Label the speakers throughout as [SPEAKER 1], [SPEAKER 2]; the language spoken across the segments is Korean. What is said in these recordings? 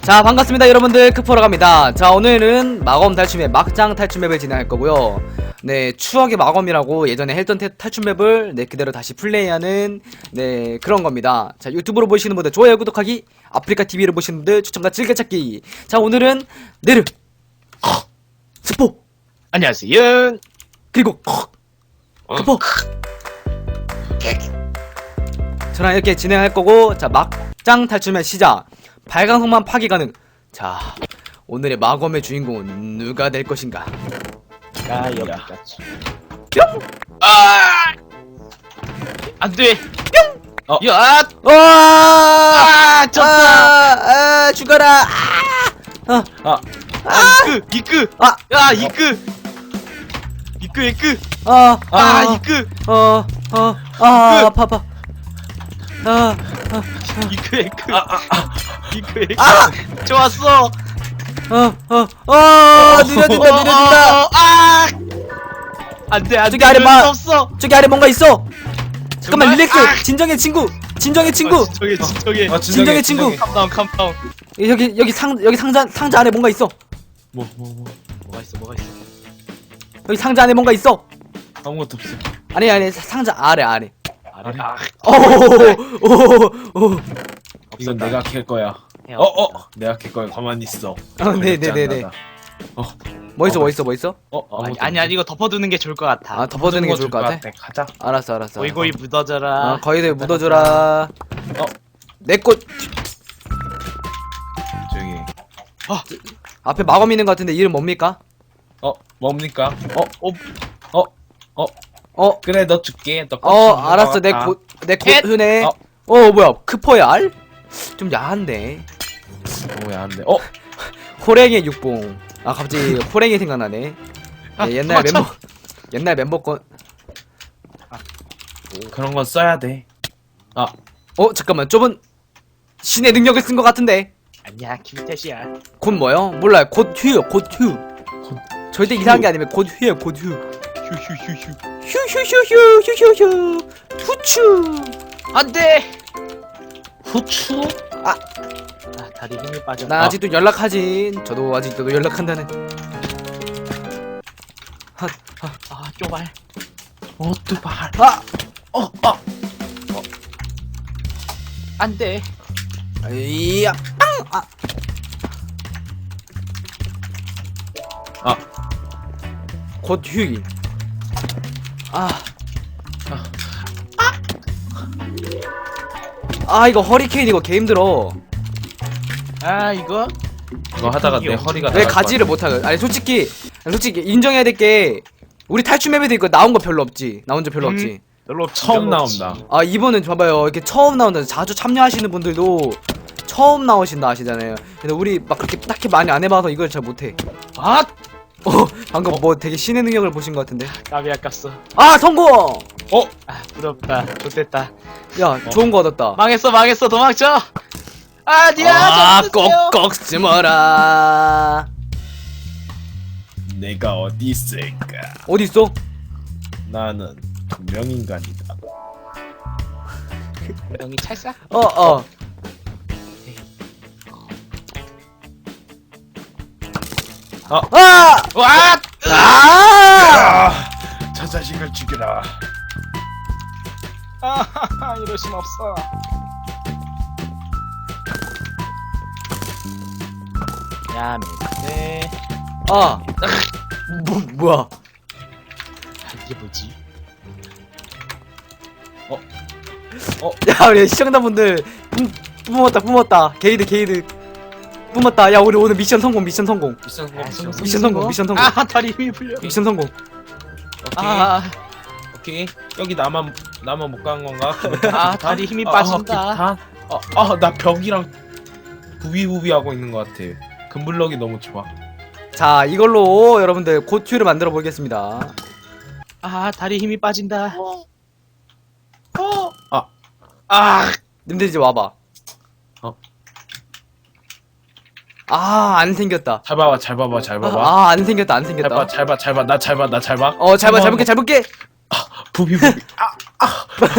[SPEAKER 1] 자, 반갑습니다 여러분들. 크포라고 합니다. 자, 오늘은 마검 탈출맵, 막장 탈출맵을 진행할 거고요. 네, 추억의 마검이라고 예전에 했던 탈출맵을 그대로 다시 플레이하는 그런 겁니다. 자, 유튜브로 보시는 분들 좋아요, 구독하기, 아프리카 TV로 보시는 분들 추천과 즐겨찾기. 자, 오늘은 네르 스포
[SPEAKER 2] 안녕하세요.
[SPEAKER 1] 그리고 크포 저랑 이렇게 진행할 거고, 자, 막장 탈출맵 시작. 발광석만 파기 가능. 자, 오늘의 마검의 주인공은 누가 될 것인가?
[SPEAKER 2] 아, 여기까지.
[SPEAKER 1] 뿅!
[SPEAKER 2] 아! 안 돼. 뿅! 야!
[SPEAKER 1] 와!
[SPEAKER 2] 졌다.
[SPEAKER 1] 죽어라!
[SPEAKER 2] 이끄.
[SPEAKER 1] 아!
[SPEAKER 2] 야, 이끄. 이끄. 이끄.
[SPEAKER 1] 아파.
[SPEAKER 2] 이끄. 이끄. 좋았어.
[SPEAKER 1] 느려진다.
[SPEAKER 2] 아! 안 돼.
[SPEAKER 1] 저기 아래 봐.
[SPEAKER 2] 없어.
[SPEAKER 1] 저기 아래 뭔가 있어. 잠깐만,
[SPEAKER 2] 정말?
[SPEAKER 1] 릴렉스.
[SPEAKER 2] 아!
[SPEAKER 1] 진정해, 친구.
[SPEAKER 2] 진정해.
[SPEAKER 1] 진정해, 친구.
[SPEAKER 2] 캄다운.
[SPEAKER 1] 여기 상자 안에 뭔가 있어.
[SPEAKER 2] 뭐가 있어?
[SPEAKER 1] 여기 상자 안에 뭔가 있어.
[SPEAKER 3] 아무것도 없어.
[SPEAKER 1] 아니, 상자 아래.
[SPEAKER 2] 아래.
[SPEAKER 1] 오.
[SPEAKER 3] 이건 내가 캘 거야. 내가 캘 거야. 가만히 있어.
[SPEAKER 1] 네네네네. 뭐 있어?
[SPEAKER 2] 아니 이거 덮어두는 게 좋을 것 같아.
[SPEAKER 1] 아, 덮어두는 게 좋을 것 같아?
[SPEAKER 3] 가자.
[SPEAKER 1] 알았어.
[SPEAKER 2] 고이고이 묻어져라.
[SPEAKER 1] 거기들 묻어줘라. 내 꽃.
[SPEAKER 3] 조용히.
[SPEAKER 1] 앞에 마검 있는 것 같은데 이름 뭡니까?
[SPEAKER 3] 뭡니까? 그래, 너 줄게. 너
[SPEAKER 1] 알았어. 내 꽃. 뭐야, 크포야 알? 좀 야한데.
[SPEAKER 3] 너무 야한데.
[SPEAKER 1] 호랭이 육봉. 아, 갑자기 호랭이 생각나네. 옛날 멤버 건.
[SPEAKER 3] 그런 건 써야 돼.
[SPEAKER 1] 잠깐만, 저분 신의 능력을 쓴 것 같은데.
[SPEAKER 2] 아니야, 김태시야.
[SPEAKER 1] 곧 뭐요? 몰라요. 곧 휴요. 절대 이상한 게 아니면 곧 휴요. 휴. 후추.
[SPEAKER 2] 안 돼.
[SPEAKER 3] 후추?
[SPEAKER 2] 다리 힘이 빠져.
[SPEAKER 1] 나 아직도 연락하지. 저도 아직도 연락한다는.
[SPEAKER 2] 쪼발.
[SPEAKER 3] 두발.
[SPEAKER 2] 안 돼.
[SPEAKER 1] 이야. 곧 휴일. 이거 허리케인 이거 개 힘들어.
[SPEAKER 2] 이거
[SPEAKER 3] 하다가 내 허리가
[SPEAKER 1] 왜
[SPEAKER 3] 나갈
[SPEAKER 1] 가지를 못하는? 아니, 솔직히 인정해야 될 게, 우리 탈출 맵에도 이거 나온 거 별로 없지. 나온 적 별로 없지.
[SPEAKER 2] 별로
[SPEAKER 3] 처음 나온다.
[SPEAKER 1] 이번은 봐봐요. 이렇게 처음 나온다. 자주 참여하시는 분들도 처음 나오신다 하시잖아요. 근데 우리 막 그렇게 딱히 많이 안 해봐서 이걸 잘 못해. 방금 뭐 되게 신의 능력을 보신 것 같은데.
[SPEAKER 2] 까비 아깝어.
[SPEAKER 1] 성공!
[SPEAKER 2] 부럽다. 좋됐다.
[SPEAKER 1] 야, 좋은 거 얻었다.
[SPEAKER 2] 망했어. 도망쳐. 아니야.
[SPEAKER 1] 꼭꼭 숨어라.
[SPEAKER 3] 내가 어디 있을까?
[SPEAKER 1] 어디 있어?
[SPEAKER 3] 나는 투명인간이다.
[SPEAKER 2] 명이 찰싹. 와!
[SPEAKER 3] 저 자식을 죽여라.
[SPEAKER 2] 이럴 순 없어. 야, 네.
[SPEAKER 1] 뭐야?
[SPEAKER 2] 이게 뭐지?
[SPEAKER 1] 야, 우리 시청자분들 뿜었다. 게이드 뿜었다. 야, 우리 오늘 미션 성공.
[SPEAKER 3] 미션 성공.
[SPEAKER 2] 다리 힘이 풀려.
[SPEAKER 1] 미션 성공.
[SPEAKER 3] 오케이. 여기 나만 못 간 건가?
[SPEAKER 2] 다리 힘이 빠진다.
[SPEAKER 3] 나 벽이랑 부비부비 하고 있는 것 같아. 금블럭이 너무 좋아.
[SPEAKER 1] 자, 이걸로 여러분들 고튜를 만들어 보겠습니다.
[SPEAKER 2] 다리 힘이 빠진다.
[SPEAKER 1] 님들 이제 와봐. 안 생겼다.
[SPEAKER 3] 잘 봐봐.
[SPEAKER 1] 안 생겼다.
[SPEAKER 3] 잘 봐. 나 잘 봐.
[SPEAKER 1] 잘 볼게.
[SPEAKER 3] 부비부비.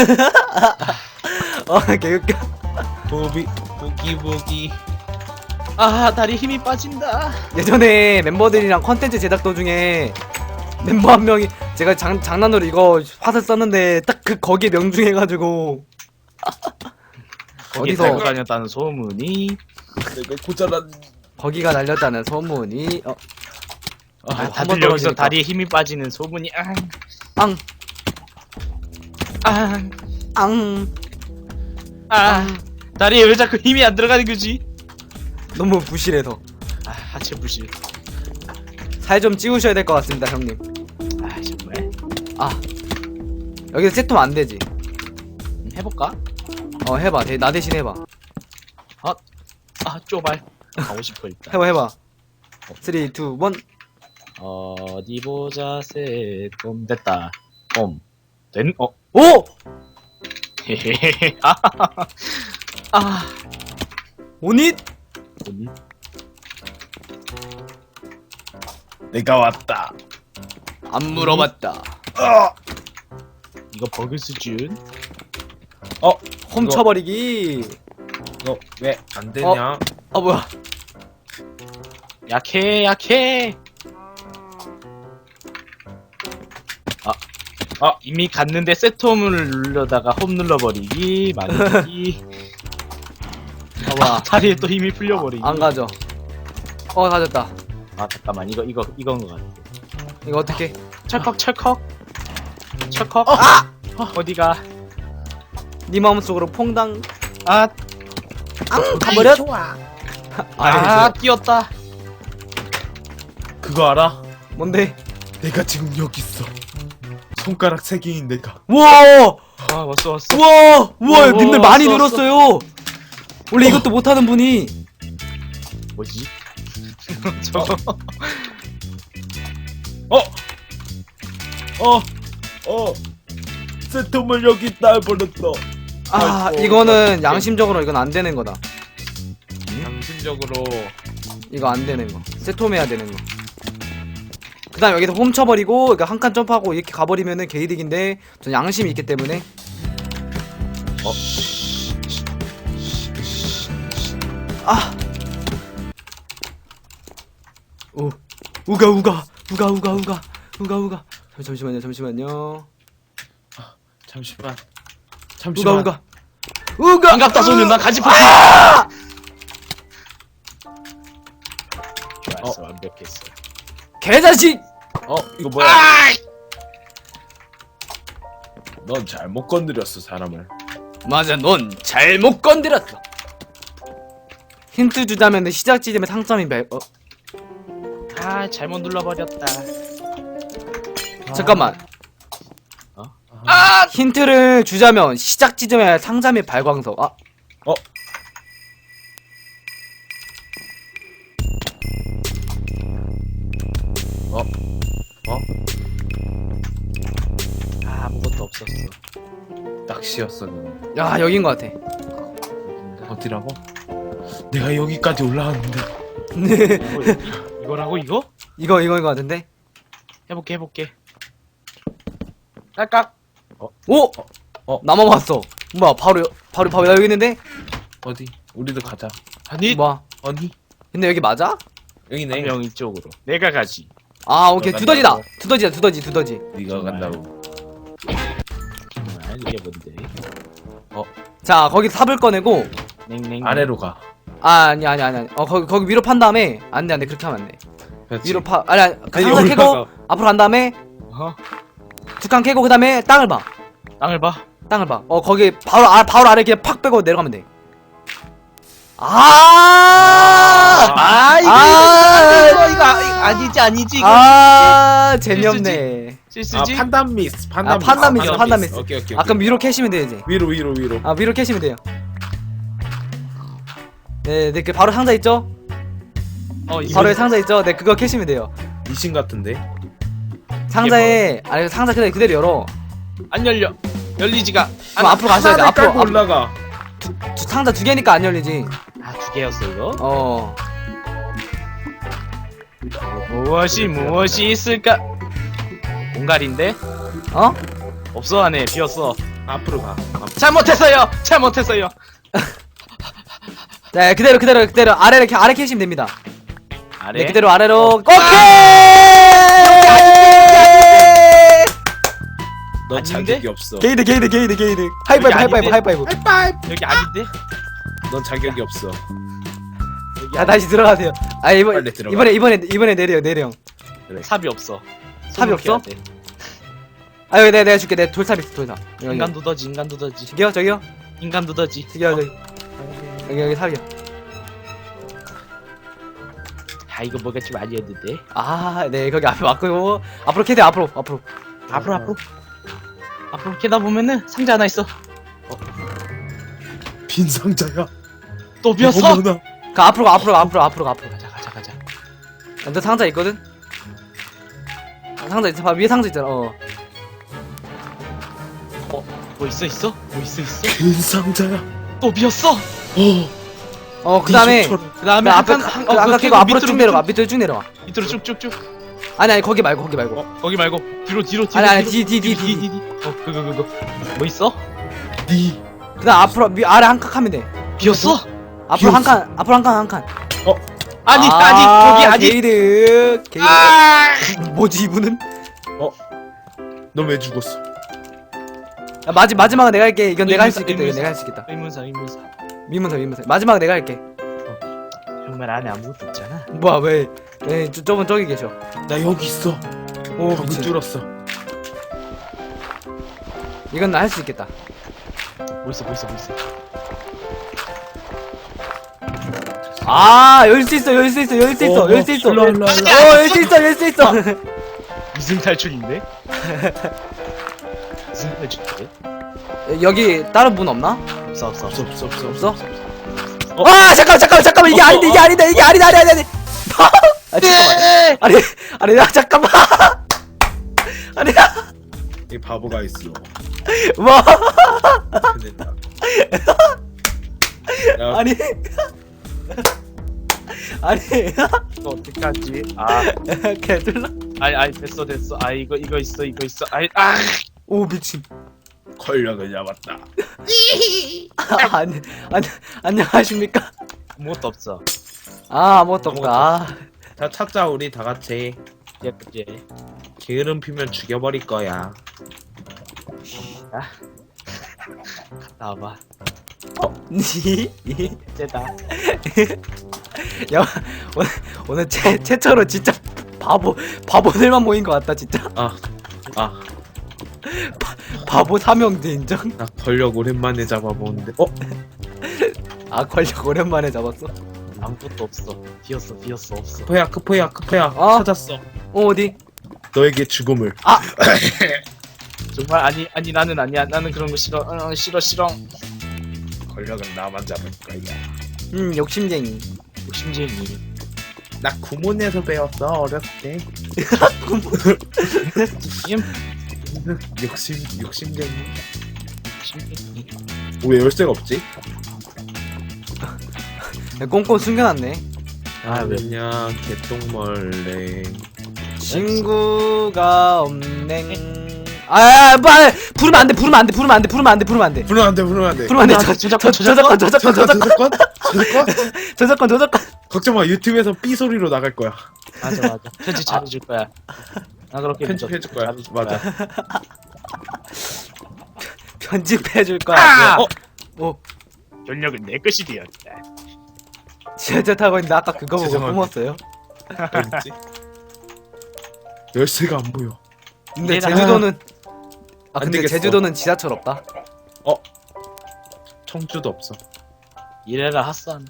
[SPEAKER 1] 개웃겨.
[SPEAKER 3] 부기
[SPEAKER 2] 아 다리 힘이 빠진다.
[SPEAKER 1] 예전에 멤버들이랑 컨텐츠 제작 도중에 멤버 한 명이 제가 장난으로 이거 화살 썼는데 딱 그 거기에 명중해가지고
[SPEAKER 2] 거기
[SPEAKER 1] 어디서
[SPEAKER 2] 달고 다녔다는 소문이.
[SPEAKER 3] 내가 고자란.
[SPEAKER 1] 거기가 날렸다는 소문이
[SPEAKER 2] 아,
[SPEAKER 1] 한번
[SPEAKER 2] 다들 여기서
[SPEAKER 1] 떨어지니까.
[SPEAKER 2] 다리에 힘이 빠지는 소문이.
[SPEAKER 1] 앙!
[SPEAKER 2] 앙.
[SPEAKER 1] 앙!
[SPEAKER 2] 아. 다리에 왜 자꾸 힘이 안 들어가는 거지?
[SPEAKER 1] 너무 부실해서
[SPEAKER 2] 아 하체 부실.
[SPEAKER 1] 살 좀 찌우셔야 될 것 같습니다 형님.
[SPEAKER 2] 아 정말.
[SPEAKER 1] 아 여기서 세톰 안 되지.
[SPEAKER 2] 해볼까?
[SPEAKER 1] 해봐. 나 대신 해봐.
[SPEAKER 2] 아 쪼발. 가고 싶어 일단.
[SPEAKER 1] 해봐. 3, 2, 1.
[SPEAKER 2] 어디 보자 세톰 됐다. 된.
[SPEAKER 1] 오!
[SPEAKER 2] 헤헤헤. 아.
[SPEAKER 1] 오닛?
[SPEAKER 2] 오니?
[SPEAKER 3] 내가 왔다.
[SPEAKER 1] 안 물어봤다.
[SPEAKER 2] 이거 버그 수준.
[SPEAKER 1] 훔쳐버리기.
[SPEAKER 3] 너 왜 안 되냐?
[SPEAKER 1] 뭐야.
[SPEAKER 2] 약해. 이미 갔는데 세톰을 누르려다가 홈 눌러버리기. 만들기.
[SPEAKER 1] 뭐야.
[SPEAKER 2] 다리에 또 힘이 풀려버리기.
[SPEAKER 1] 안 가져. 가졌다.
[SPEAKER 2] 아 잠깐만 이건 것 같아.
[SPEAKER 1] 이거 어떻게?
[SPEAKER 2] 철컥. 어디가?
[SPEAKER 1] 네 마음속으로 퐁당.
[SPEAKER 2] 아
[SPEAKER 1] 가버렸?
[SPEAKER 2] 뛰었다.
[SPEAKER 3] 그거 알아?
[SPEAKER 1] 뭔데?
[SPEAKER 3] 내가 지금 여기 있어. 손가락 3개인 내가.
[SPEAKER 1] 우와!
[SPEAKER 2] 왔어.
[SPEAKER 1] 우와! 님들 많이
[SPEAKER 2] 왔어.
[SPEAKER 1] 늘었어요. 원래 이것도 못하는 분이.
[SPEAKER 2] 뭐지? 저거.
[SPEAKER 3] 세톰을 여기 따버렸어. 아이고,
[SPEAKER 1] 이거는 양심적으로 이건 안 되는 거다.
[SPEAKER 3] 양심적으로.
[SPEAKER 1] 이거 안 되는 거. 세톰해야 되는 거. 그 다음 여기서 훔쳐버리고, 그러니까 한 칸 점프하고 이렇게 가버리면은 개이득인데, 전 양심이 있기 때문에. 우가. 잠시만요.
[SPEAKER 3] 잠시만.
[SPEAKER 1] 우가.
[SPEAKER 2] 반갑다 소년 나 가지 포시. 좋았어 완벽했어.
[SPEAKER 1] 개자식!
[SPEAKER 3] 이거 뭐야? 넌 잘못 건드렸어 사람을.
[SPEAKER 1] 맞아, 넌 잘못 건드렸어. 힌트 주자면 시작 지점에 상점이
[SPEAKER 2] 잘못 눌러버렸다.
[SPEAKER 1] 잠깐만.
[SPEAKER 2] 아
[SPEAKER 1] 힌트를 주자면 시작 지점에 상점의 발광석.
[SPEAKER 2] 아무것도 없었어.
[SPEAKER 3] 낚시였어 그거.
[SPEAKER 1] 야, 여긴 것 같아.
[SPEAKER 3] 어디라고? 내가 여기까지 올라왔는데.
[SPEAKER 2] 이거라고 이거?
[SPEAKER 1] 이거인 것 같은데?
[SPEAKER 2] 해볼게. 깔깍.
[SPEAKER 1] 오! 나만 봤어. 뭐야, 바로 나 여기 있는데?
[SPEAKER 3] 어디? 우리도 가자.
[SPEAKER 2] 아니
[SPEAKER 1] 뭐야.
[SPEAKER 3] 어디?
[SPEAKER 1] 근데 여기 맞아?
[SPEAKER 3] 여기네.
[SPEAKER 2] 한 명 이쪽으로. 내가 가지.
[SPEAKER 1] 오케이.
[SPEAKER 3] 너가
[SPEAKER 1] 두더지다.
[SPEAKER 3] 간다고?
[SPEAKER 1] 두더지.
[SPEAKER 3] 네가 간다고.
[SPEAKER 2] 이게 뭔데?
[SPEAKER 1] 자, 거기 삽을 꺼내고.
[SPEAKER 2] 냉냉.
[SPEAKER 3] 아래로 가.
[SPEAKER 1] 아니. 거기 위로 판 다음에. 안 돼. 그렇게 하면 안 돼.
[SPEAKER 3] 그렇지.
[SPEAKER 1] 위로 아니, 상자
[SPEAKER 3] 올라가.
[SPEAKER 1] 캐고, 앞으로 간 다음에, 두 칸 캐고, 그 다음에 땅을 봐.
[SPEAKER 2] 땅을 봐.
[SPEAKER 1] 거기 바로 아래 그냥 팍 빼고 내려가면 돼.
[SPEAKER 2] 이거 아니지 이거.
[SPEAKER 1] 재미없네.
[SPEAKER 2] 실수지?
[SPEAKER 3] 판단 미스.
[SPEAKER 1] 판단 미스.
[SPEAKER 3] 오케이.
[SPEAKER 1] 그럼 위로 캐시면 돼요, 이제.
[SPEAKER 3] 위로.
[SPEAKER 1] 위로 캐시면 돼요. 네, 그 바로 상자 있죠? 바로 상자 있죠? 네, 그거 캐시면 돼요.
[SPEAKER 3] 미신 같은데.
[SPEAKER 1] 상자에, 상자 그대로 열어.
[SPEAKER 2] 안 열려. 열리지가.
[SPEAKER 1] 그럼 앞으로 가셔야 돼. 앞으로.
[SPEAKER 3] 올라가.
[SPEAKER 1] 상자 2개니까 안 열리지.
[SPEAKER 2] 두 개였어 이거? 무엇이 있을까? 공갈인데? 없어 안에 비었어.
[SPEAKER 3] 앞으로 가.
[SPEAKER 2] 잘못했어요.
[SPEAKER 1] 네, 그대로 아래 캐시면 됩니다.
[SPEAKER 2] 아래.
[SPEAKER 1] 네, 그대로 아래로. 오케이!
[SPEAKER 3] 너
[SPEAKER 2] 아닌데?
[SPEAKER 3] 자격이 없어.
[SPEAKER 1] 게이드. 하이파이브.
[SPEAKER 2] 여기 아닌데?
[SPEAKER 3] 넌 자격이 없어.
[SPEAKER 2] 여기
[SPEAKER 1] 자, 다시 들어가세요. 아,
[SPEAKER 3] 빨리 들어가.
[SPEAKER 1] 이번에 내려.
[SPEAKER 2] 삽이 없어.
[SPEAKER 1] 삽이 없어?
[SPEAKER 2] 손목해야 돼.
[SPEAKER 1] 아, 여기 내가 줄게. 내 돌삽 있어, 돌삽.
[SPEAKER 2] 인간 두더지.
[SPEAKER 1] 저기요.
[SPEAKER 2] 인간 두더지.
[SPEAKER 1] 저기요. 여기 삽이요.
[SPEAKER 2] 아 이거 뭐가 좀 아니었는데.
[SPEAKER 1] 아, 네, 거기 앞에 맞고. 앞으로 캐대, 앞으로.
[SPEAKER 2] 앞으로 캐다 보면은 상자 하나 있어.
[SPEAKER 3] 빈 상자야.
[SPEAKER 2] 또 비었어.
[SPEAKER 3] 어머나.
[SPEAKER 1] 앞으로 가.
[SPEAKER 2] 가자.
[SPEAKER 1] 너 상자 있거든? 상자 있어. 봐, 위에 상자 있잖아.
[SPEAKER 2] 뭐 있어?
[SPEAKER 3] 빈 상자야.
[SPEAKER 2] 또 비었어.
[SPEAKER 1] 그 다음에.
[SPEAKER 3] 속처럼.
[SPEAKER 2] 그다음에
[SPEAKER 1] 아까 캐고 앞으로 쭉 내려가. 밑으로 쭉 내려와.
[SPEAKER 2] 밑으로 쭉쭉쭉.
[SPEAKER 1] 아니, 거기 말고.
[SPEAKER 2] 거기 말고 뒤로.
[SPEAKER 1] 아니, 뒤.
[SPEAKER 2] 그거. 뭐 있어?
[SPEAKER 3] 니.
[SPEAKER 1] 그 다음 앞으로, 아래 한 칸 하면 돼.
[SPEAKER 2] 비었어?
[SPEAKER 1] 앞으로 한 칸.
[SPEAKER 2] 아니 거기 아니.
[SPEAKER 1] 게이드. 뭐지, 이분은?
[SPEAKER 3] 너 왜 죽었어?
[SPEAKER 1] 야, 마지막은 내가 할게. 이건 내가 할 수 있겠다.
[SPEAKER 2] 의문사.
[SPEAKER 1] 내가 할 수 있겠다.
[SPEAKER 2] 의문사.
[SPEAKER 1] 미문서. 마지막은 내가 할게.
[SPEAKER 2] 정말 안에 아무것도 없잖아.
[SPEAKER 1] 뭐야, 왜? 저분 저기 계셔.
[SPEAKER 3] 나 여기 있어.
[SPEAKER 1] 오,
[SPEAKER 3] 벽을
[SPEAKER 1] 미친.
[SPEAKER 3] 뚫었어.
[SPEAKER 1] 이건 나 할 수 있겠다.
[SPEAKER 2] 뭐 있어?
[SPEAKER 1] 아, 열 수 있어.
[SPEAKER 3] 일로 와.
[SPEAKER 1] 열 수 있어.
[SPEAKER 2] 무슨 탈출인데? 무슨 탈출인데?
[SPEAKER 1] 여기 다른 문 없나?
[SPEAKER 2] 없어.
[SPEAKER 1] 없어? 아, 잠깐만. 이게 아니다. 아니. 아, 잠깐만. 아니, 나 잠깐만. 아니,
[SPEAKER 3] 이 바보가 있어.
[SPEAKER 1] 뭐?
[SPEAKER 3] 큰일 나. 야,
[SPEAKER 1] 아니.
[SPEAKER 2] 이거 어떡하지?
[SPEAKER 1] 개들라.
[SPEAKER 2] 아이 됐어. 아 이거 있어.
[SPEAKER 1] 오, 미친.
[SPEAKER 3] 권력을 잡았다.
[SPEAKER 1] 안녕하십니까?
[SPEAKER 2] 아무것도 없어.
[SPEAKER 1] 아무것도 없다.
[SPEAKER 3] 자, 찾자 우리 다 같이.
[SPEAKER 2] 예쁘지?
[SPEAKER 3] 게으름 피면 죽여버릴 거야.
[SPEAKER 2] 갔다 와봐.
[SPEAKER 1] 니?
[SPEAKER 2] 쟤다.
[SPEAKER 1] 야, 오늘 최초로 진짜 바보들만 모인 것 같다, 진짜. 바보 삼형제 인정?
[SPEAKER 3] 나 권력 오랜만에 잡아보는데.
[SPEAKER 1] 아, 권력 오랜만에 잡았어.
[SPEAKER 2] 아무것도 없어. 비었어. 없어.
[SPEAKER 3] 크포야. 찾았어.
[SPEAKER 1] 어디?
[SPEAKER 3] 너에게 죽음을.
[SPEAKER 2] 정말 아니 나는 아니야. 나는 그런 거 싫어. 싫어.
[SPEAKER 3] 권력은 나만 잡을 거야.
[SPEAKER 1] 욕심쟁이.
[SPEAKER 2] 욕심쟁이.
[SPEAKER 3] 나 구몬에서 배웠어 어렸을 때. 욕심쟁이.
[SPEAKER 2] 욕심쟁이.
[SPEAKER 3] 왜 열쇠가 없지?
[SPEAKER 1] 꽁꽁 숨겨놨네.
[SPEAKER 2] 왜?
[SPEAKER 3] 그냥 개똥벌레.
[SPEAKER 1] 친구가 없네. 부르면 안 돼. 저작권.
[SPEAKER 3] 걱정 마, 유튜브에서 삐 소리로 나갈 거야.
[SPEAKER 2] 맞아. 편집 잘해줄 거야. 나 그렇게
[SPEAKER 3] 편집해줄 거야. 맞아.
[SPEAKER 1] 편집해줄 거야.
[SPEAKER 2] 권력은 내 것이 되었다.
[SPEAKER 1] 지하철 타고 있는데 아까 그거 보고
[SPEAKER 3] 죄송합니다.
[SPEAKER 1] 뿜었어요.
[SPEAKER 3] 어딨지? 열쇠가 안 보여.
[SPEAKER 1] 근데
[SPEAKER 2] 이래라.
[SPEAKER 1] 제주도는
[SPEAKER 3] 안
[SPEAKER 1] 근데
[SPEAKER 3] 되겠어.
[SPEAKER 1] 제주도는 지하철 없다.
[SPEAKER 3] 청주도 없어.
[SPEAKER 2] 이래라 핫산.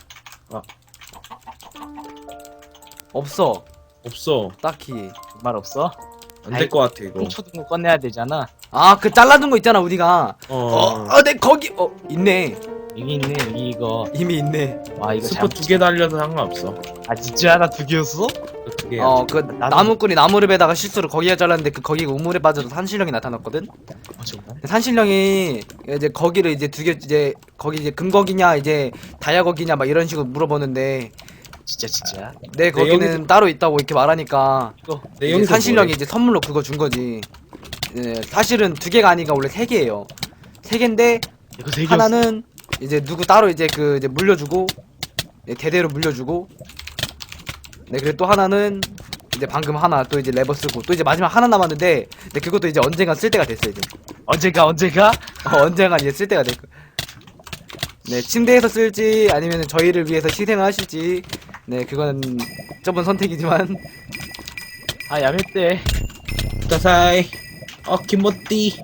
[SPEAKER 1] 없어.
[SPEAKER 3] 없어.
[SPEAKER 1] 딱히.
[SPEAKER 2] 정말 없어?
[SPEAKER 3] 안 될 것 같아 이거.
[SPEAKER 2] 초등거 꺼내야 되잖아.
[SPEAKER 1] 그 잘라둔 거 있잖아 우리가. 내 거기 있네.
[SPEAKER 2] 여기 있네 여기 이거.
[SPEAKER 1] 이미 있네.
[SPEAKER 2] 와 이거
[SPEAKER 3] 스포 2개 달려도 상관없어.
[SPEAKER 2] 진짜 나 2개였어?
[SPEAKER 3] 두 개.
[SPEAKER 1] 그 나무꾼이 나무를 실수로 거기에 잘랐는데 거기가 우물에 빠져서 산신령이 나타났거든.
[SPEAKER 2] 정말?
[SPEAKER 1] 산신령이 이제 거기를 이제 거기 이제 금거기냐 이제 다이아거기냐 막 이런 식으로 물어보는데
[SPEAKER 2] 진짜.
[SPEAKER 1] 내 거기는
[SPEAKER 3] 여기서-
[SPEAKER 1] 따로 있다고 이렇게 말하니까
[SPEAKER 3] 내
[SPEAKER 1] 이제
[SPEAKER 3] 여기서
[SPEAKER 1] 산신령이
[SPEAKER 3] 뭐해?
[SPEAKER 1] 이제 선물로 그거 준 거지. 사실은 2개가 아니라 원래 3개예요. 3개인데
[SPEAKER 2] 이거 3개였어.
[SPEAKER 1] 하나는 이제 누구 따로 이제 그 이제 물려주고 네, 대대로 물려주고 네 그리고 또 하나는 이제 방금 하나 또 이제 레버 쓰고 또 이제 마지막 하나 남았는데 네 그것도 이제 언젠간 쓸 때가 됐어요 이제.
[SPEAKER 2] 언제가?
[SPEAKER 1] 언젠간 이제 쓸 때가 될 거. 네 침대에서 쓸지 아니면 저희를 위해서 희생을 하실지 네 그건 저번 선택이지만
[SPEAKER 2] 아 야매떼.
[SPEAKER 3] 다사이. 김모띠.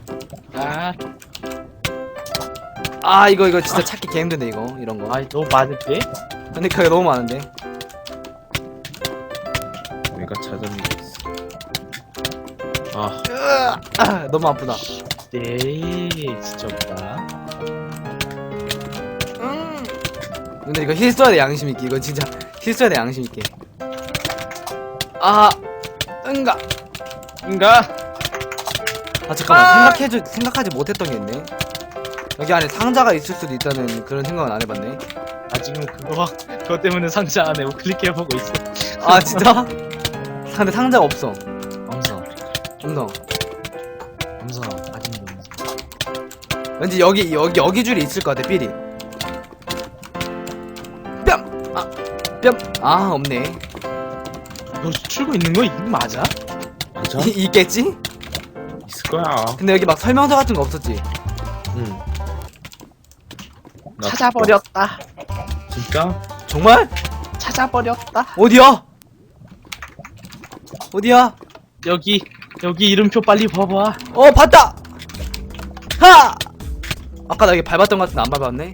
[SPEAKER 2] 아,
[SPEAKER 1] 이거 진짜 찾기 개 힘든데 이거 이런 거.
[SPEAKER 2] 아 너무 많은데?
[SPEAKER 1] 근데 그게 너무 많은데.
[SPEAKER 3] 내가 찾은 게 있어.
[SPEAKER 1] 너무 아프다.
[SPEAKER 2] 네, 진짜 없다.
[SPEAKER 1] 근데 이거 힐 써야 돼 양심 있게. 이거 진짜 힐 써야 돼 양심 있게. 응가. 잠깐만 생각하지 못했던 게 있네. 여기 안에 상자가 있을 수도 있다는 그런 생각은 안 해봤네.
[SPEAKER 2] 지금 그거 때문에 상자 안에 클릭해보고 있어.
[SPEAKER 1] 진짜? 근데 상자가 없어.
[SPEAKER 2] 엄성. 아직도 엄성.
[SPEAKER 1] 왠지 여기 줄이 있을 것 같아 삐리. 뺨. 없네.
[SPEAKER 2] 너 출구 있는 거 이거 맞아?
[SPEAKER 3] 맞아?
[SPEAKER 1] 있겠지?
[SPEAKER 3] 있을 거야.
[SPEAKER 1] 근데 여기 막 설명서 같은 거 없었지?
[SPEAKER 3] 응.
[SPEAKER 2] 찾아버렸다.
[SPEAKER 3] 진짜?
[SPEAKER 1] 정말?
[SPEAKER 2] 찾아버렸다.
[SPEAKER 1] 어디야?
[SPEAKER 2] 여기 이름표 빨리 봐봐.
[SPEAKER 1] 봤다! 하! 아까 나 여기 밟았던 것 같은데 안 밟았네?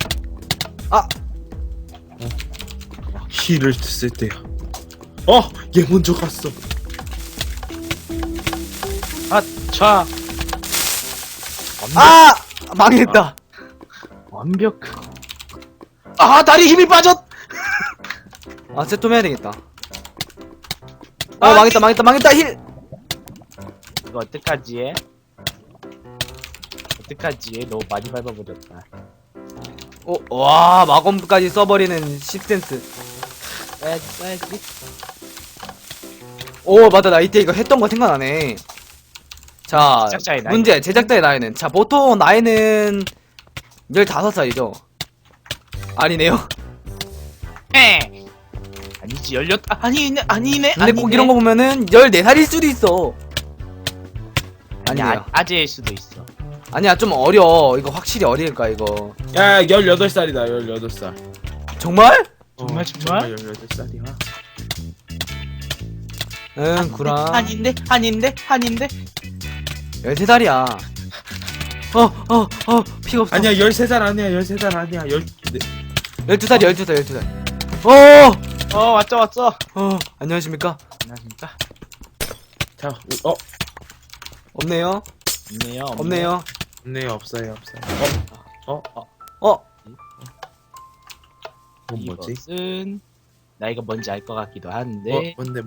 [SPEAKER 3] 힐을 쓸 때야. 얘 먼저 갔어.
[SPEAKER 2] 자.
[SPEAKER 1] 망했다.
[SPEAKER 2] 완벽. 다리 힘이 빠졌.
[SPEAKER 1] 쟤 좀 해야 되겠다. 망했다, 힐!
[SPEAKER 2] 이거 어떡하지 해? 너무 많이 밟아버렸다.
[SPEAKER 1] 와, 마검까지 써버리는 식센스.
[SPEAKER 2] 써야지.
[SPEAKER 1] 맞다, 나 이때 이거 했던 거 생각나네. 자,
[SPEAKER 2] 제작자의 나이.
[SPEAKER 1] 문제, 제작자의 나이는. 자, 보통 나이는 15살이죠? 아니네요.
[SPEAKER 2] 아니지, 18. 아니네.
[SPEAKER 1] 근데 꼭 이런 거 보면은 14살일 수도 있어. 아니야.
[SPEAKER 2] 아재일 수도 있어.
[SPEAKER 1] 아니야, 좀 어려. 이거 확실히 어릴까, 이거.
[SPEAKER 3] 야, 18살이다. 18살.
[SPEAKER 1] 정말?
[SPEAKER 2] 정말?
[SPEAKER 3] 18살이야.
[SPEAKER 1] 응, 구라.
[SPEAKER 2] 아닌데.
[SPEAKER 1] 13살이야. 피가 없어.
[SPEAKER 3] 아니야, 13살 아니야. 13살 아니야.
[SPEAKER 1] 12살.
[SPEAKER 2] 왔어.
[SPEAKER 1] 안녕하십니까?
[SPEAKER 2] 안녕하십니까?
[SPEAKER 3] 자,
[SPEAKER 1] 없네요.
[SPEAKER 2] 없네요.
[SPEAKER 3] 네, 없어요. 이건 뭐지?
[SPEAKER 2] 이것은 나 이거 뭔지 알 것 같기도 한데.
[SPEAKER 3] 뭔데?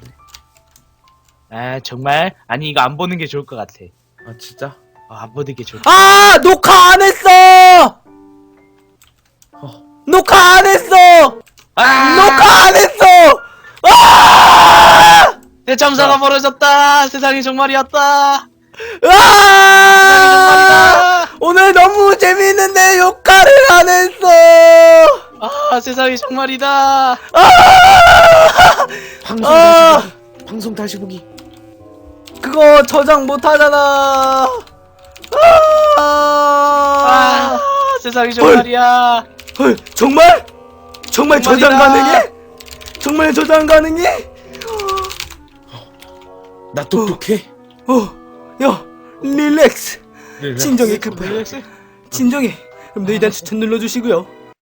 [SPEAKER 2] 정말? 아니 이거 안 보는 게 좋을 것 같아.
[SPEAKER 3] 진짜?
[SPEAKER 2] 안 보는 게 좋을
[SPEAKER 1] 녹화 안 했어! 녹화 안 했어!
[SPEAKER 2] 대참사가 벌어졌다. 세상이 정말이었다.
[SPEAKER 1] 오늘 너무 재밌는데 녹화를 안 했어!
[SPEAKER 2] 세상이 정말이다.
[SPEAKER 3] 방송 다시 보기.
[SPEAKER 1] 그거 저장 못 하잖아.
[SPEAKER 2] 세상이 정말이야.
[SPEAKER 1] 정말 저장
[SPEAKER 2] 정말이다.
[SPEAKER 1] 가능해? 정말 저장 가능해?
[SPEAKER 3] 나 똑똑해.
[SPEAKER 1] 야, 릴렉스.
[SPEAKER 3] 릴렉스.
[SPEAKER 1] 진정해 급해. 진정해. 그럼 너희들 추천 눌러주시고요.